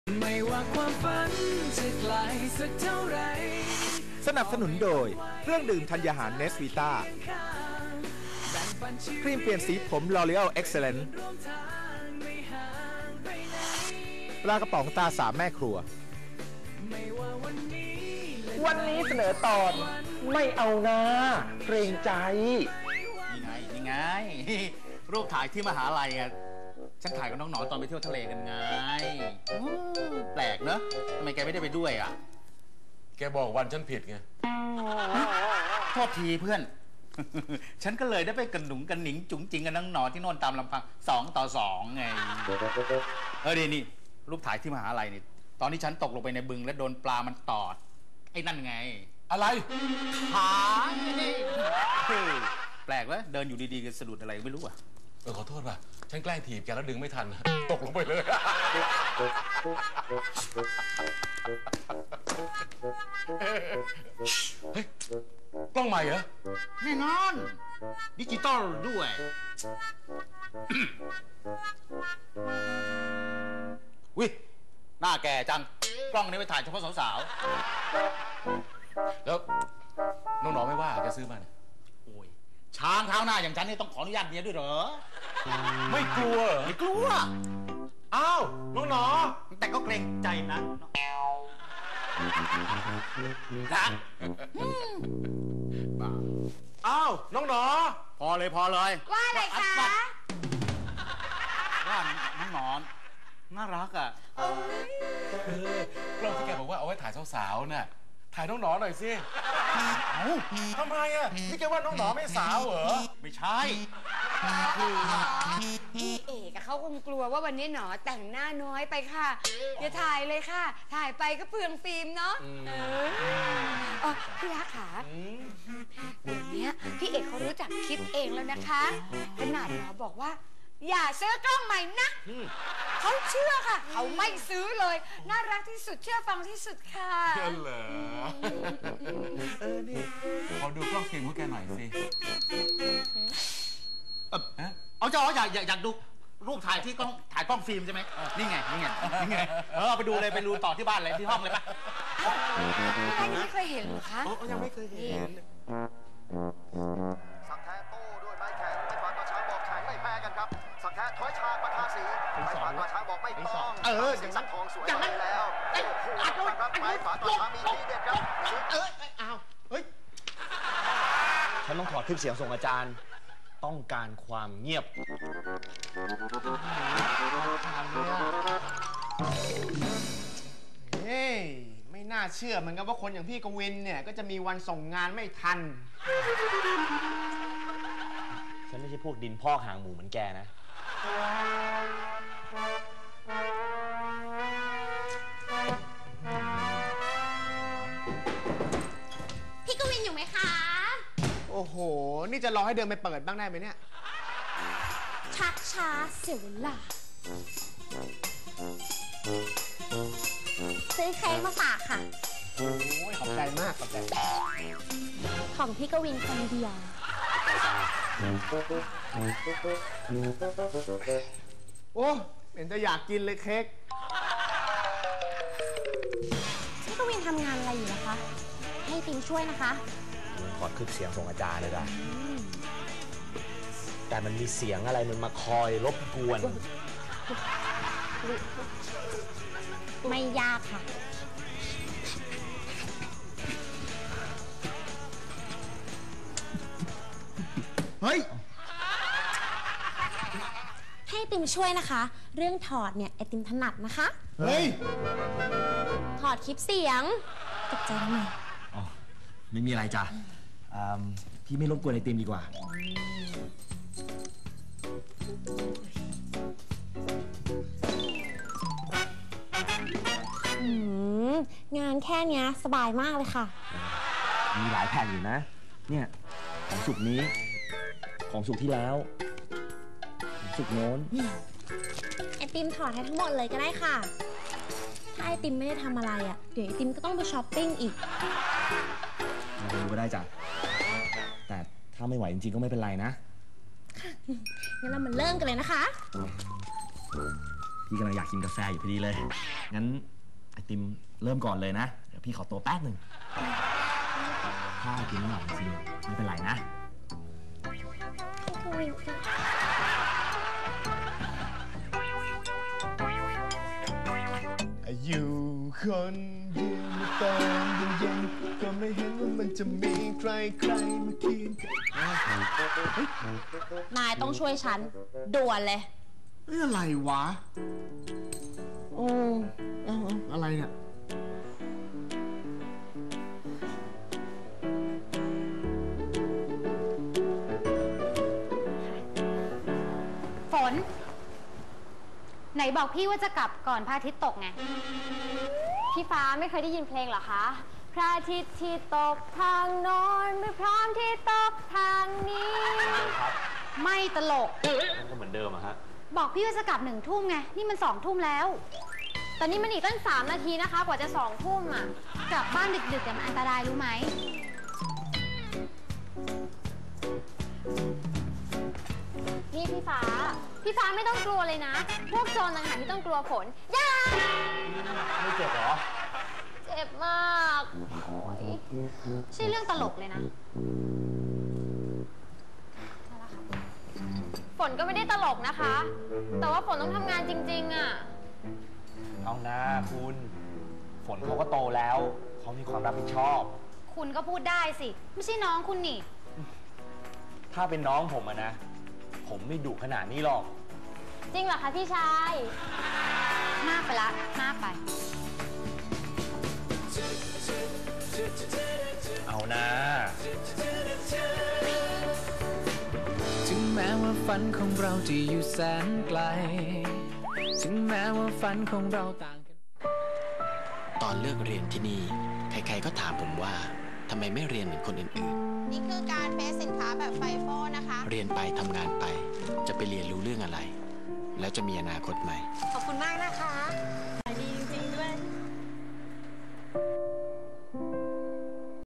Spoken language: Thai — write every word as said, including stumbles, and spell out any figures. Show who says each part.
Speaker 1: ไม่ว่าความฝันจะไกลสักเท่าไร
Speaker 2: สนับสนุนโดยเครื่องดื่มธัญญาหารเนสวีต้าครีมเปลี่ยนสีผม L'Oreal Excellence ปลากระป๋องตาสามแม่ครัว
Speaker 3: วันนี้เสนอตอนไม่เอานะเกรงใจ
Speaker 4: นี่ไงนี่ไงรูปถ่ายที่มหาลัยไงฉันถ่ายกับน้องหนอตอนไปเที่ยวทะเลกันไงแปลกเนอะทำไมแกไม่ได้ไปด้วยอ่ะ
Speaker 5: แกบอกวันฉันผิดไง
Speaker 4: โทษทีเพื่อนฉันก็เลยได้ไปกระหนุงกระหนิงจุ๋งจิงกับน้องหนอที่โน่นตามลำพังสองต่อสองไงเออดีนี่รูปถ่ายที่มหาลัยนี่ตอนที่ฉันตกลงไปในบึงและโดนปลามันตอดไอ้นั่นไง
Speaker 5: อะไร
Speaker 4: ขาแปลกแล้วเดินอยู่ดีๆก็สะดุดอะไรไม่รู้อ่ะ
Speaker 5: เออขอโทษป่ะฉันแกล้งถีบแกแล้วดึงไม่ทันตกลงไปเลยเฮ้ยกล้องใหม่เหรอ
Speaker 4: แน่นอนดิจิตอลด้วยวิหน้าแก่จังกล้องนี้ไปถ่ายเฉพาะสาว
Speaker 5: ๆแล้วน้องหนอไม่ว่าแกซื้อมาเนี่ย
Speaker 4: โอ้ยช้างเท้าหน้าอย่างฉันนี่ต้องขออนุญาตเมียด้วยเหรอ
Speaker 5: ไม่กลัว
Speaker 4: ไม่กลัว
Speaker 5: อ้าวน้องหนอ
Speaker 4: แต่ก็เกรงใจนะรัก
Speaker 5: อ้าวน้องหนอ
Speaker 4: พอเลยพอเลย
Speaker 6: ว่าอะไรคะ
Speaker 4: ว่าน้องหนอนน่ารักอ่ะ
Speaker 5: กล้องที่แกบอกว่าเอาไว้ถ่ายสาวๆน่ะถ่ายน้องหนอหน่อยสิเอ้าทำไมอ่ะนี่แกว่าน้องหนอไม่สาวเหรอ
Speaker 4: ไม่ใช่
Speaker 6: พี่เอกเขาคงกลัวว่าวันนี้หนอแต่งหน้าน้อยไปค่ะอย่าถ่ายเลยค่ะถ่ายไปก็เปลืองฟิล์มเนาะเออพี่รักขาเดี๋ยวนี้พี่เอกเขารู้จักคิดเองแล้วนะคะขนาดหนอบอกว่าอย่าซื้อกล้องใหม่นะเขาเชื่อค่ะเขาไม่ซื้อเลยน่ารักที่สุดเชื่อฟังที่สุดค่ะ
Speaker 5: เชื่อเหรอเออนี่ขอดูกล้องฟิล์มของแกหน่อยสิ
Speaker 4: เอาเจ้าอยากอยากดูรูปถ่ายที่กล้องถ่ายกล้องฟิล์มใช่ไหมนี่ไงนี่ไงนี่ไงเออไปดูเลยไปดูต่อที่บ้านเลยที่ห้องเลยปะ
Speaker 6: พี่ไม่เคยเห็นหรอคะ
Speaker 5: ยังไม่เคยเห็น
Speaker 7: สักแท้โต้ด้วยไม้แข็งไม้ฝาดมาช้างบอกแข็งไม่แพ้กันครับสักแท้ถอยฉากมาทาสีไม้ฝาดมาช้างบอกไม่ต้อง
Speaker 4: เออ
Speaker 7: สีสักทองสวยไปแล้วโอ้โหครับไม้ฝาดมาช้างมีทีเด็ดครับ
Speaker 4: เอออ้าวเฮ้ย
Speaker 3: ฉันต้องถอดคลิปเสียงส่งอาจารย์ต้องการความเงียบ
Speaker 8: เฮ้ยไม่น่าเชื่อเหมือนกันว่าคนอย่างพี่กวินเนี่ยก็จะมีวันส่งงานไม่ทัน
Speaker 3: ฉันไม่ใช่พวกดินพอกหางหมูเหมือนแกนะ
Speaker 6: พี่กวินอยู่ไหมคะ
Speaker 8: โอ้โหนี่จะรอให้เดินไปเปิดบ้างได้ไหมเนี่ย
Speaker 6: ชักช้าเสียเวลาซื้อเค้กมาฝากค่ะ
Speaker 8: โอ้ยขอบใจมากขอบใจ
Speaker 6: ของพี่กวินคนเดียว
Speaker 8: โอ้เห็นจะอยากกินเลยเค้ก
Speaker 6: พี่กวินทำงานอะไรอยู่นะคะให้พิมช่วยนะคะ
Speaker 3: ถอดคลิปเสียงส่งอาจารย์เลยจ้ะแต่มันมีเสียงอะไรมันมาคอยรบกวน
Speaker 6: ไม่ยากค่ะ
Speaker 8: เฮ้ย
Speaker 6: ให้ติมช่วยนะคะเรื่องถอดเนี่ยไอติมถนัดนะคะ
Speaker 8: เฮ้ย
Speaker 6: ถอดคลิปเสียงตกใจทำไม
Speaker 3: อ๋อไม่มีอะไรจ้ะพี่ไม่รบกวนไอติมดีกว่า
Speaker 6: งานแค่นี้สบายมากเลยค่ะ
Speaker 3: มีหลายแผ่นอยู่นะเนี่ยของสุกนี้ของสุกที่แล้วของสุกโน้น
Speaker 6: ไอติมถอดให้ทั้งหมดเลยก็ได้ค่ะถ้าไอติมไม่ได้ทำอะไรอ่ะเดี๋ยวไอติมก็ต้องไปช้อปปิ้งอีก
Speaker 3: มาดูก็ได้จ้ะแต่ถ้าไม่ไหวจริงๆก็ไม่เป็นไรนะ
Speaker 6: งั้นเรามาเริ่มกันเลยนะคะ
Speaker 3: พี่กำลังอยากกินกาแฟอยู่พอดีเลย งั้นไอติมเริ่มก่อนเลยนะ เดี๋ยวพี่ขอตัวแป๊บหนึ่งถ้าไอติมไม่อร่อยจริงไม่เป็นไรนะ
Speaker 8: อยู่คนเดียวในตอนเย็นๆก็ไม่เห็นว่ามันจะมีใครใครมาเคียงกัน
Speaker 9: นายต้องช่วยฉันด่วนเลย
Speaker 8: เอ้ยอะไรวะโอ้เอาเอาอะไรเนี่ย
Speaker 9: ฝน ไหนบอกพี่ว่าจะกลับก่อนพระอาทิตย์ตกไง พี่ฟ้าไม่เคยได้ยินเพลงเหรอคะพระอาทิตย์ที่ตกทางโน้นไม่พร้อมที่ตกทางนี้ไม่ตลก
Speaker 3: มันก็เหมือนเดิมอะฮะ
Speaker 9: บอกพี่ว่าจะกลับหนึ่งทุ่มไงนี่มันสองทุ่มแล้วแต่นี่มันอีกตั้งสามนาทีนะคะกว่าจะสองทุ่มอ่ะกลับบ้านดึกๆแต่มันอันตรายรู้ไหมนี่พี่ฟ้าพี่ฟ้าไม่ต้องกลัวเลยนะพวกโจรต่างหากที่ต้องกลัวฝนย่า
Speaker 3: ไม่เจ็บเหรอ
Speaker 9: เจ็บมากใช่เรื่องตลกเลยนะฝนก็ไม่ได้ตลกนะคะ แต่ว่าฝนต้องทำงานจริงๆอ่ะ
Speaker 3: เอานะคุณ ฝนเขาก็โตแล้ว เขามีความรับผิดชอบ
Speaker 9: คุณก็พูดได้สิไม่ใช่น้องคุณนี่
Speaker 3: ถ้าเป็นน้องผมอะนะ ผมไม่ดุขนาดนี้หรอก
Speaker 9: จริงเหรอคะพี่ชาย มากไปละมากไป
Speaker 3: เอานะ
Speaker 1: ถึงแม้ว่าฝันของเราจะอยู่แสนไกล ถึงแม้ว่าฝันของเราต่างกัน
Speaker 10: ตอนเลือกเรียนที่นี่ใครๆก็ถามผมว่าทำไมไม่เรียนเหมือนคนอื่น
Speaker 9: นี่คือการเฟซสินค้าแบบไฟโฟนะคะ
Speaker 10: ๆ เรียนไปทำงานไปจะไปเรียนรู้เรื่องอะไร แล้วจะมีอนาคตไหม
Speaker 9: ขอบคุณมากนะคะ